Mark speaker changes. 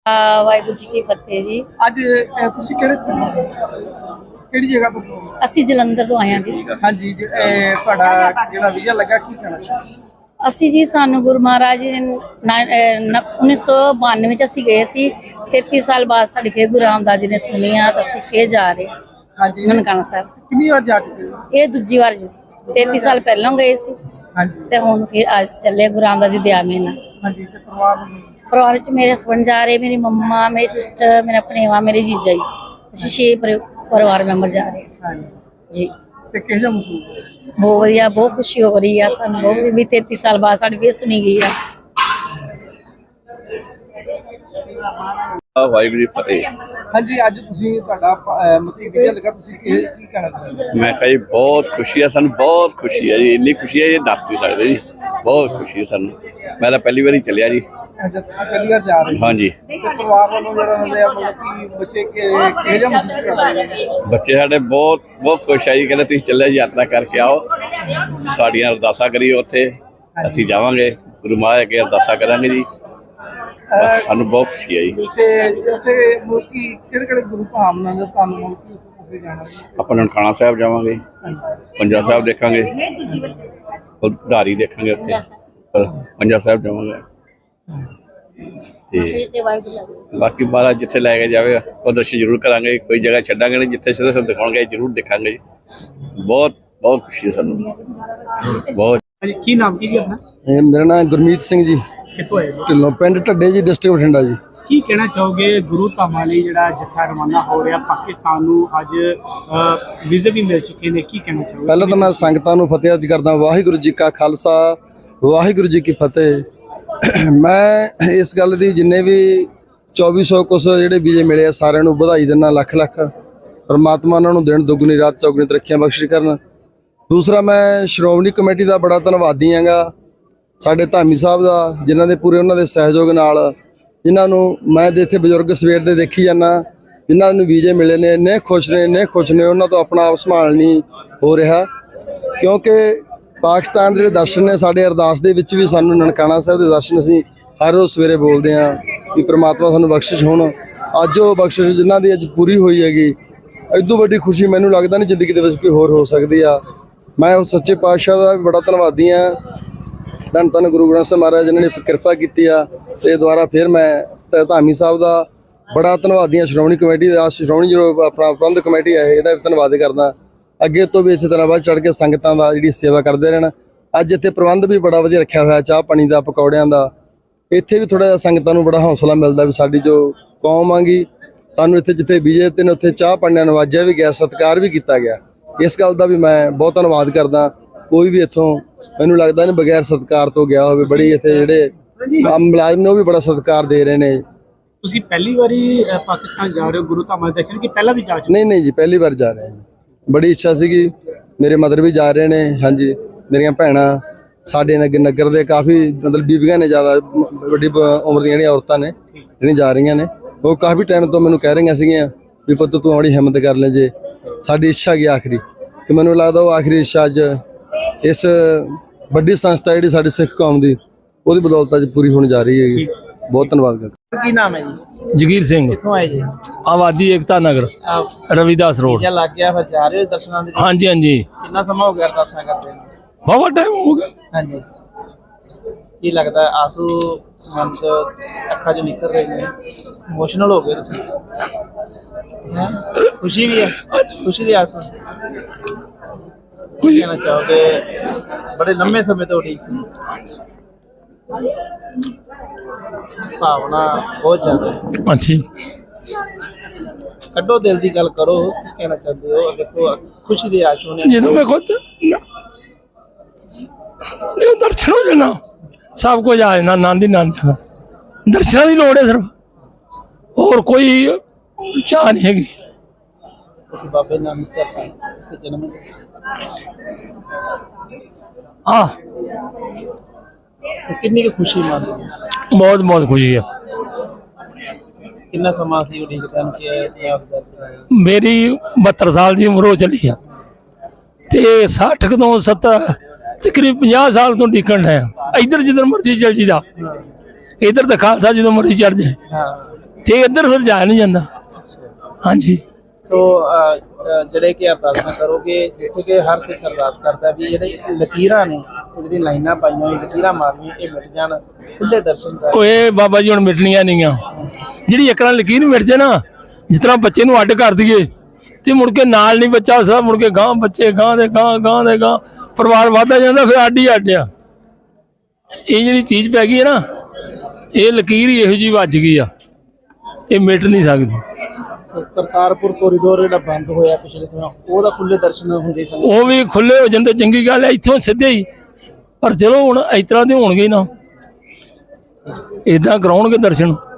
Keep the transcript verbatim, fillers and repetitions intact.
Speaker 1: ਵਾਹਿਗੁਰੂ ਜੀ ਕੀ ਫਤਿਹ ਜੀ।
Speaker 2: ਅੱਜ ਅਹ, ਤੁਸੀਂ ਕਿਹੜੇ ਕਿਹੜੀ ਜਗ੍ਹਾ ਤੋਂ?
Speaker 1: ਅਸੀਂ ਜਲੰਧਰ ਤੋਂ ਆਏ ਹਾਂ ਜੀ।
Speaker 2: ਹਾਂਜੀ ਜੀ, ਇਹ ਤੁਹਾਡਾ ਜਿਹੜਾ ਵੀਜ਼ਾ ਲੱਗਾ ਕੀ ਕਹਿਣਾ?
Speaker 1: ਅਸੀਂ ਜੀ ਸਾਨੂੰ ਗੁਰੂ ਮਹਾਰਾਜ ਜੀ ਨੇ ਉੱਨੀ ਸੌ ਬਾਨਵੇਂ ਵਿੱਚ ਅਸੀਂ ਗਏ ਸੀ। ਤੇਤੀ ਸਾਲ ਬਾਅਦ ਸਾਡੀ ਫੇਰ ਗੁਰੂ ਰਾਮਦਾਸ ਜੀ ਨੇ ਸੁਣੀਆ ਤਾਂ ਅਸੀਂ ਫੇਰ ਜਾ ਰਹੇ
Speaker 2: ਹਾਂਜੀ,
Speaker 1: ਨਨਕਾਣਾ ਸਾਹਿਬ।
Speaker 2: ਕਿੰਨੀ ਵਾਰ ਜਾ ਚੁੱਕੇ ਹੋ?
Speaker 1: ਇਹ ਦੂਜੀ ਵਾਰ ਜੀ, ਤੇਤੀ ਸਾਲ ਪਹਿਲਾਂ ਗਏ ਸੀ
Speaker 2: ਹਾਂਜੀ
Speaker 1: ਤੇ ਹੁਣ ਫਿਰ ਅੱਜ ਚੱਲੇ ਗੁਰੂ ਰਾਮਦਾਸ ਜੀ ਦੇ ਆਮੇ ਨਾਲ।
Speaker 2: ਹਾਂਜੀ, ਤੇ ਪਰਿਵਾਰ ਨੂੰ?
Speaker 1: ਪਰਿਵਾਰ ਵਿੱਚ ਮੇਰੇ ਹਸਬੰਡ ਜਾ ਰਹੇ, ਮੇਰੀ ਮੰਮਾ, ਮੇਰੀ ਸਿਸਟਰ, ਮੇਰਾ ਭਣੇਵਾ, ਮੇਰੇ ਜੀਜਾ ਜੀ। ਅਸੀਂ ਛੇ ਪਰਿ- ਪਰਿਵਾਰ ਮੈਂਬਰ ਜਾ ਰਹੇ ਹਾਂ
Speaker 2: ਹਾਂਜੀ,
Speaker 1: ਜੀ।
Speaker 2: ਤੇ ਕਿਹੋ ਜਿਹਾ ਮਹਿਸੂਸ ਹੋਇਆ?
Speaker 1: ਬਹੁਤ ਵਧੀਆ, ਬਹੁਤ ਖੁਸ਼ੀ ਹੋ ਰਹੀ ਆ ਸਾਨੂੰ। ਬਹੁਤ ਵੀ ਤੇਤੀ ਸਾਲ ਬਾਅਦ ਸਾਡੀ ਫੇਰ ਸੁਣੀ ਗਈ ਆ।
Speaker 3: ਵਾਹਿਗੁਰੂ ਜੀ ਫਤਿਹ।
Speaker 2: ਹਾਂਜੀ, ਅੱਜ ਤੁਸੀਂ ਤੁਹਾਡਾ ਅਹ, ਮਤਲਬ ਵੀਜ਼ਾ ਲੱਗਾ, ਤੁਸੀਂ ਕੀ ਕੀ ਕਹਿਣਾ ਚਾਹੁੰਦੇ?
Speaker 3: ਮੈਂ ਕਹਾਂ ਜੀ ਬਹੁਤ ਖੁਸ਼ੀ ਹੈ ਸਾਨੂੰ, ਬਹੁਤ ਖੁਸ਼ੀ ਹੈ ਜੀ। ਇੰਨੀ ਖੁਸ਼ੀ ਹੈ ਇਹ ਦੱਸ ਨਹੀਂ ਸਕਦੇ ਜੀ। ਬਹੁਤ ਖੁਸ਼ੀ ਹੈ ਸਾਨੂੰ। ਮੈਂ ਤਾਂ ਪਹਿਲੀ ਵਾਰੀ ਚੱਲਿਆ ਜੀ।
Speaker 2: ਅੱਛਾ, ਤੁਸੀਂ ਪਹਿਲੀ ਵਾਰ ਜਾ ਰਹੇ ਹੋ?
Speaker 3: ਹਾਂਜੀ,
Speaker 2: ਤੇ ਪਰਿਵਾਰ ਵੱਲੋਂ ਜਿਹੜਾ ਹੁੰਦੇ ਆ ਮਤਲਬ ਕਿ ਬੱਚੇ ਕਿ- ਕਿਹੋ ਜਿਹਾ ਮਹਿਸੂਸ ਕਰਦੇ ਨੇ?
Speaker 3: ਬੱਚੇ ਸਾਡੇ ਬਹੁਤ ਬਹੁਤ ਖੁਸ਼ ਹੈ ਜੀ। ਕਹਿੰਦੇ ਤੁਸੀਂ ਚੱਲਿਆ ਯਾਤਰਾ ਕਰਕੇ ਆਓ, ਸਾਡੀਆਂ ਅਰਦਾਸਾਂ ਕਰੀਓ ਉੱਥੇ। ਅਸੀਂ ਜਾਵਾਂਗੇ, ਗੁਰੂ ਮਹਾਰਾਜ ਅੱਗੇ ਅਰਦਾਸਾਂ ਕਰਾਂਗੇ ਜੀ। ਬਸ ਸਾਨੂੰ ਬਹੁਤ ਖੁਸ਼ੀ ਹੈ ਜੀ।
Speaker 2: ਤੁਸੀਂ ਉੱਥੇ ਮਤਲਬ ਕਿ ਕਿਹੜੇ ਕਿਹੜੇ ਗੁਰੂ ਧਾਮ ਨਾਲ ਤੁਹਾਨੂੰ ਮਤਲਬ ਕਿ ਉੱਥੇ ਤੁਸੀਂ ਜਾਣਾ?
Speaker 3: ਆਪਾਂ ਨਨਕਾਣਾ ਸਾਹਿਬ ਜਾਵਾਂਗੇ, ਪੰਜਾ ਸਾਹਿਬ ਦੇਖਾਂਗੇ, ਉਧਾਰੀ ਦੇਖਾਂਗੇ ਉੱਥੇ, ਪੰਜਾ ਸਾਹਿਬ ਜਾਵਾਂਗੇ। ਤੇ ਬਾਕੀ ਮਹਾਰਾਜ ਜਿੱਥੇ ਲੈ ਕੇ ਜਾਵੇ ਉਹ ਦਰਸ਼ਨ ਜ਼ਰੂਰ ਕਰਾਂਗੇ। ਕੋਈ ਜਗ੍ਹਾ ਛੱਡਾਂਗੇ ਨਹੀਂ, ਜਿੱਥੇ ਸਿੱਧੇ ਸਿੱਧੇ ਦਿਖਾਉਣਗੇ ਜ਼ਰੂਰ ਦੇਖਾਂਗੇ ਜੀ। ਬਹੁਤ ਬਹੁਤ ਖੁਸ਼ੀ ਹੈ ਸਾਨੂੰ, ਬਹੁਤ।
Speaker 2: ਕੀ ਨਾਮ ਕੀ ਜੀ ਆਪਣਾ?
Speaker 4: ਮੇਰਾ ਨਾਮ ਗੁਰਮੀਤ ਸਿੰਘ ਜੀ,
Speaker 2: ਕਿੱਥੋਂ ਆਏ?
Speaker 4: ਢਿੱਲੋਂ ਪਿੰਡ ਢੱਡੇ ਜੀ, ਡਿਸਟ੍ਰਿਕਟ ਬਠਿੰਡਾ ਜੀ।
Speaker 2: ਕੀ ਕਹਿਣਾ ਚਾਹੋਗੇ ਗੁਰੂ ਧਾਮਾਂ ਲਈ ਜਿਹੜਾ ਜੱਥਾ ਰਵਾਨਾ ਹੋ ਰਿਹਾ ਪਾਕਿਸਤਾਨ ਨੂੰ? ਅੱਜ ਵੀਜ਼ੇ ਵੀ ਮਿਲ ਚੁੱਕੇ ਨੇ, ਕੀ ਕਹਿਣਾ ਚਾਹੋਗੇ?
Speaker 4: ਪਹਿਲਾਂ ਤਾਂ ਮੈਂ ਸੰਗਤਾਂ ਨੂੰ ਫਤਿਹ ਅਰਜ਼ ਕਰਦਾ। ਵਾਹਿਗੁਰੂ ਜੀ ਕਾ ਖਾਲਸਾ, ਵਾਹਿਗੁਰੂ ਜੀ ਕੀ ਫਤਿਹ। ਮੈਂ ਇਸ ਗੱਲ ਦੀ ਜਿੰਨੇ ਵੀ ਚੌਵੀ ਸੌ ਕੁਛ ਜਿਹੜੇ ਵੀਜ਼ੇ ਮਿਲੇ ਆ ਸਾਰਿਆਂ ਨੂੰ ਵਧਾਈ ਦਿੰਦਾ, ਲੱਖ ਲੱਖ। ਪਰਮਾਤਮਾ ਉਹਨਾਂ ਨੂੰ ਦਿਨ ਦੁੱਗਣੀ ਰਾਤ ਚੌਗੁਣੀ ਤਰੱਕੀਆਂ ਬਖਸ਼ਿਸ਼ ਕਰਨ। ਦੂਸਰਾ, ਮੈਂ ਸ਼੍ਰੋਮਣੀ ਕਮੇਟੀ ਦਾ ਬੜਾ ਧੰਨਵਾਦੀ ਹਾਂਗਾ, ਸਾਡੇ ਧਾਮੀ ਸਾਹਿਬ ਦਾ, ਜਿਨ੍ਹਾਂ ਦੇ ਪੂਰੇ ਉਹਨਾਂ ਦੇ ਸਹਿਯੋਗ ਨਾਲ, ਜਿਨ੍ਹਾਂ ਨੂੰ ਮੈਂ ਦੇ ਇੱਥੇ ਬਜ਼ੁਰਗ ਸਵੇਰ ਦੇ ਦੇਖੀ ਜਾਂਦਾ, ਜਿਨ੍ਹਾਂ ਨੂੰ ਵੀਜ਼ੇ ਮਿਲੇ ਨੇ, ਇੰਨੇ ਖੁਸ਼ ਨੇ, ਇੰਨੇ ਖੁਸ਼ ਨੇ, ਉਹਨਾਂ ਤੋਂ ਆਪਣਾ ਆਪ ਸੰਭਾਲ ਨਹੀਂ ਹੋ ਰਿਹਾ। ਕਿਉਂਕਿ ਪਾਕਿਸਤਾਨ ਦੇ ਜਿਹੜੇ ਦਰਸ਼ਨ ਨੇ, ਸਾਡੇ ਅਰਦਾਸ ਦੇ ਵਿੱਚ ਵੀ ਸਾਨੂੰ ਨਨਕਾਣਾ ਸਾਹਿਬ ਦੇ ਦਰਸ਼ਨ ਅਸੀਂ ਹਰ ਰੋਜ਼ ਸਵੇਰੇ ਬੋਲਦੇ ਹਾਂ ਵੀ ਪ੍ਰਮਾਤਮਾ ਸਾਨੂੰ ਬਖਸ਼ਿਸ਼ ਹੋਣ। ਅੱਜ ਉਹ ਬਖਸ਼ਿਸ਼ ਜਿਨ੍ਹਾਂ ਦੀ ਅੱਜ ਪੂਰੀ ਹੋਈ ਹੈਗੀ, ਇਦੋਂ ਵੱਡੀ ਖੁਸ਼ੀ ਮੈਨੂੰ ਲੱਗਦਾ ਨਹੀਂ ਜ਼ਿੰਦਗੀ ਦੇ ਵਿੱਚ ਕੋਈ ਹੋਰ ਹੋ ਸਕਦੀ ਆ। ਮੈਂ ਉਸ ਸੱਚੇ ਪਾਤਸ਼ਾਹ ਦਾ ਵੀ ਬੜਾ ਧੰਨਵਾਦੀ ਹਾਂ। ਧੰਨ ਧੰਨ ਗੁਰੂ ਗ੍ਰੰਥ ਸਾਹਿਬ ਮਹਾਰਾਜ ਜਿਨ੍ਹਾਂ ਨੇ ਕਿਰਪਾ ਕੀਤੀ ਆ। ਤੇ ਦੁਬਾਰਾ ਫਿਰ ਮੈਂ ਧਾਮੀ ਸਾਹਿਬ ਦਾ ਬੜਾ ਧੰਨਵਾਦੀ ਹਾਂ, ਸ਼੍ਰੋਮਣੀ ਕਮੇਟੀ ਦਾ, ਸ਼੍ਰੋਮਣੀ ਜੋ ਆਪਣਾ ਪ੍ਰਬੰਧਕ ਕਮੇਟੀ ਹੈ ਇਹਦਾ ਵੀ ਧੰਨਵਾਦ ਕਰਦਾ। ਅੱਗੇ ਤੋਂ ਵੀ ਇਸੇ ਤਰ੍ਹਾਂ ਵੱਧ ਚੜ੍ਹ ਕੇ ਸੰਗਤਾਂ ਦਾ ਜਿਹੜੀ ਸੇਵਾ ਕਰਦੇ ਰਹਿਣ। ਅੱਜ ਇੱਥੇ ਪ੍ਰਬੰਧ ਵੀ ਬੜਾ ਵਧੀਆ ਰੱਖਿਆ ਹੋਇਆ, ਚਾਹ ਪਾਣੀ ਦਾ, ਪਕੌੜਿਆਂ ਦਾ। ਇੱਥੇ ਵੀ ਥੋੜ੍ਹਾ ਜਿਹਾ ਸੰਗਤਾਂ ਨੂੰ ਬੜਾ ਹੌਸਲਾ ਮਿਲਦਾ ਵੀ ਸਾਡੀ ਜੋ ਕੌਮ ਆਂਗੀ, ਸਾਨੂੰ ਇੱਥੇ ਜਿੱਥੇ ਵੀਜ਼ੇ ਤੇ ਨੇ ਉੱਥੇ ਚਾਹ ਪਾਣੀ ਨਾਲ ਨਵਾਜਿਆ ਵੀ ਗਿਆ, ਸਤਿਕਾਰ ਵੀ ਕੀਤਾ ਗਿਆ। ਇਸ ਗੱਲ ਦਾ ਵੀ ਮੈਂ ਬਹੁਤ ਧੰਨਵਾਦ ਕਰਦਾ। ਕੋਈ ਵੀ ਇੱਥੋਂ ਮੈਨੂੰ ਲੱਗਦਾ ਨਹੀਂ ਬਗੈਰ ਸਤਿਕਾਰ ਤੋਂ ਗਿਆ ਹੋਵੇ। ਬੜੀ ਇੱਥੇ ਜਿਹੜੇ ਮੁਲਾਜ਼ਮ ਨੇ ਉਹ ਵੀ ਬੜਾ ਸਤਿਕਾਰ ਦੇ ਰਹੇ ਨੇ।
Speaker 2: ਤੁਸੀਂ ਪਹਿਲੀ ਵਾਰੀ ਪਾਕਿਸਤਾਨ ਜਾ ਰਹੇ ਹੋ ਗੁਰੂ ਧਾਮਾਂ ਦੇ ਦਰਸ਼ਨ ਕਿ ਪਹਿਲਾਂ ਵੀ ਜਾ ਚੁੱਕੇ?
Speaker 4: ਨਹੀਂ ਨਹੀਂ ਜੀ, ਪਹਿਲੀ ਵਾਰ ਜਾ ਰਹੇ ਹਾਂ। ਬੜੀ ਇੱਛਾ ਸੀਗੀ, ਮੇਰੇ ਮਦਰ ਵੀ ਜਾ ਰਹੇ ਨੇ। ਹਾਂਜੀ, ਮੇਰੀਆਂ ਭੈਣਾਂ, ਸਾਡੇ ਨਗਰ ਨਗਰ ਦੇ ਕਾਫੀ ਮਤਲਬ ਬੀਬੀਆਂ ਨੇ, ਜ਼ਿਆਦਾ ਵੱਡੀ ਉਮਰ ਦੀਆਂ ਜਿਹੜੀਆਂ ਔਰਤਾਂ ਨੇ ਜਿਹੜੀਆਂ ਜਾ ਰਹੀਆਂ ਨੇ, ਉਹ ਕਾਫੀ ਟਾਈਮ ਤੋਂ ਮੈਨੂੰ ਕਹਿ ਰਹੀਆਂ ਸੀਗੀਆਂ ਵੀ ਪੁੱਤ ਤੂੰ ਬੜੀ ਹਿੰਮਤ ਕਰ ਲੈ ਜੇ। ਸਾਡੀ ਇੱਛਾ ਗਈ ਆਖਰੀ, ਤੇ ਮੈਨੂੰ ਲੱਗਦਾ ਉਹ ਆਖਰੀ ਇੱਛਾ ਅੱਜ ਇਸ ਵੱਡੀ ਸੰਸਥਾ ਜਿਹੜੀ ਸਾਡੀ ਸਿੱਖ ਕੌਮ ਦੀ, ਉਹਦੀ ਬਦੌਲਤ ਅੱਜ ਪੂਰੀ ਹੋਣ ਜਾ ਰਹੀ ਹੈਗੀ। ਬਹੁਤ ਧੰਨਵਾਦ ਕਰਦਾ।
Speaker 2: ਕੀ ਨਾਮ ਹੈ ਜੀ?
Speaker 5: ਜਗੀਰ ਸਿੰਘ,
Speaker 2: ਕਿੱਥੋਂ ਆਏ ਜੀ?
Speaker 5: ਆਬਾਦੀ ਏਕਤਾ ਨਗਰ, ਰਵਿਦਾਸ ਰੋਡ।
Speaker 2: ਵੀਜ਼ਾ ਲੱਗ ਗਿਆ ਫਿਰ ਜਾ ਰਹੇ ਹੋ ਦਰਸ਼ਨਾਂ ਦੇ?
Speaker 5: ਹਾਂਜੀ ਹਾਂਜੀ,
Speaker 2: ਕਿੰਨਾ ਸਮਾਂ ਹੋ ਗਿਆ ਅਰਦਾਸਾਂ ਕਰਦੇ ਨੂੰ?
Speaker 5: ਬਹੁਤ ਟਾਈਮ ਹੋ ਗਿਆ।
Speaker 2: ਹਾਂਜੀ, ਕੀ ਲੱਗਦਾ ਆਂਸੂ ਮਨ ਤੋਂ ਅੱਖਾਂ ਚੋਂ ਨਿਕਲ ਰਹੇ ਨੇ? ਇਮੋਸ਼ਨਲ ਹੋ ਗਏ ਤੁਸੀਂ? ਹੈਂ? ਖੁਸ਼ੀ ਵੀ ਹੈ, ਖੁਸ਼ੀ ਦੇ ਆਂਸੂ? ਕੀ ਕਹਿਣਾ ਚਾਹੋਗੇ? ਬੜੇ ਲੰਮੇ ਸਮੇਂ ਤੋਂ ਠੀਕ ਸੀ, ਭਾਵਨਾ ਬਹੁਤ ਜ਼ਿਆਦਾ।
Speaker 5: ਅੱਛੀ,
Speaker 2: ਕੱਢੋ ਦਿਲ ਦੀ ਗੱਲ ਕਰੋ, ਕੀ ਕਹਿਣਾ ਚਾਹੁੰਦੇ ਹੋ? ਦੇਖੋ ਖੁਸ਼ੀ ਦੇ ਆਂਸੂ ਨੇ।
Speaker 5: ਜਦੋਂ ਮੈਂ ਖੁਦ ਜਦੋਂ ਦਰਸ਼ਨ ਹੋ ਜਾਣਾ, ਸਭ ਕੁਝ ਆ ਜਾਣਾ। ਆਨੰਦ ਹੀ ਆਨੰਦ, ਦਰਸ਼ਨਾਂ ਦੀ ਲੋੜ ਹੈ ਸਿਰਫ, ਹੋਰ ਕੋਈ ਚਾਹ ਨਹੀਂ ਹੈਗੀ।
Speaker 2: ਤੁਸੀਂ ਬਾਬੇ ਨਾਨਕ ਧਰਤੀ ਤੇ ਜਨਮ
Speaker 5: ਹਾਂ,
Speaker 2: ਸੋ ਕਿੰਨੀ ਕੁ ਖੁਸ਼ੀ ਮੰਨਦੇ ਹੋ?
Speaker 5: ਬਹੁਤ ਬਹੁਤ ਖੁਸ਼ੀ ਹੈ।
Speaker 2: ਕਿੰਨਾ ਸਮਾਂ ਸੀ ਉਡੀਕ ਕਰਨ ਕਿ
Speaker 5: ਮੇਰੀ ਬਹੱਤਰ ਸਾਲ ਦੀ ਉਮਰ ਹੋ ਚੱਲੀ ਆ, ਤੇ ਸੱਠ ਕੁ ਤੋਂ ਸੱਤਰ ਤਕਰੀਬ ਪੰਜਾਹ ਸਾਲ ਤੋਂ ਡਿੱਕਣ ਹੈ। ਇੱਧਰ ਜਿੱਧਰ ਮਰਜ਼ੀ ਚੱਲ ਜੀਦਾ, ਇੱਧਰ ਤਾਂ ਖਾਲਸਾ ਜਦੋਂ ਮਰਜ਼ੀ ਚੜ੍ਹ ਜਾਏ। ਤੇ ਇੱਧਰ ਫਿਰ ਜਾਇਆ ਨਹੀਂ ਜਾਂਦਾ। ਹਾਂਜੀ
Speaker 2: ਸੋ ਅਹ, ਅਹ, ਜਿਹੜੇ ਕਿ ਅਰਦਾਸਾਂ ਕਰੋਗੇ ਜਿੱਥੇ ਕਿ ਹਰ ਸਿੱਖ ਅਰਦਾਸ ਕਰਦਾ ਵੀ ਜਿਹੜੇ ਲਕੀਰਾਂ ਨੇ ਇਹ ਜਿਹੜੀ ਲਾਈਨਾਂ ਪਾਈਆਂ ਹੋਈਆਂ ਲਕੀਰਾਂ ਮਾਰਨੀਆਂ ਇਹ ਮਿਟ ਜਾਣ ਖੁੱਲੇ ਦਰਸ਼ਨ ਕਰ।
Speaker 5: ਓਏ ਬਾਬਾ ਜੀ ਹੁਣ ਮਿਟਣੀਆਂ ਨਹੀਂ ਆ। ਜਿਹੜੀ ਇੱਕ ਨਾਲ ਲਕੀਰ ਮਿਟ ਜੇ ਨਾ, ਜਿਸ ਤਰ੍ਹਾਂ ਬੱਚੇ ਨੂੰ ਅੱਡ ਕਰ ਦਈਏ ਤੇ ਮੁੜ ਕੇ ਨਾਲ ਨਹੀਂ ਬੱਚਾ ਹੋ ਸਕਦਾ, ਮੁੜ ਕੇ ਗਾਂ ਬੱਚੇ ਗਾਂ ਦੇ ਗਾਂ ਗਾਂ ਦੇ ਗਾਂ ਪਰਿਵਾਰ ਵੱਧਦਾ ਜਾਂਦਾ, ਫਿਰ ਅੱਡ ਹੀ ਅੱਡ ਆ। ਇਹ ਜਿਹੜੀ ਚੀਜ਼ ਪੈ ਗਈ ਹੈ ਨਾ, ਇਹ ਲਕੀਰ ਹੀ ਇਹੋ ਜਿਹੀ ਵੱਜ ਗਈ ਆ, ਇਹ ਮਿਟ ਨਹੀਂ ਸਕਦੀ।
Speaker 2: ਸੋ ਕਰਤਾਰਪੁਰ ਕੋਰੀਡੋਰ ਜਿਹੜਾ ਬੰਦ ਹੋਇਆ ਪਿਛਲੇ ਸਮੇਂ ਉਹਦਾ ਖੁੱਲੇ ਦਰਸ਼ਨ ਹੁੰਦੇ ਸਨ।
Speaker 5: ਉਹ ਵੀ ਖੁੱਲੇ ਹੋ ਜਾਂਦੇ, ਚੰਗੀ ਗੱਲ ਹੈ, ਇੱਥੋਂ ਸਿੱਧੇ ਹੀ। ਪਰ ਚਲੋ ਹੁਣ ਇਸ ਤਰ੍ਹਾਂ ਦੇ ਹੋਣਗੇ ਨਾ, ਇਦਾਂ ਕਰਾਉਣਗੇ ਦਰਸ਼ਨ।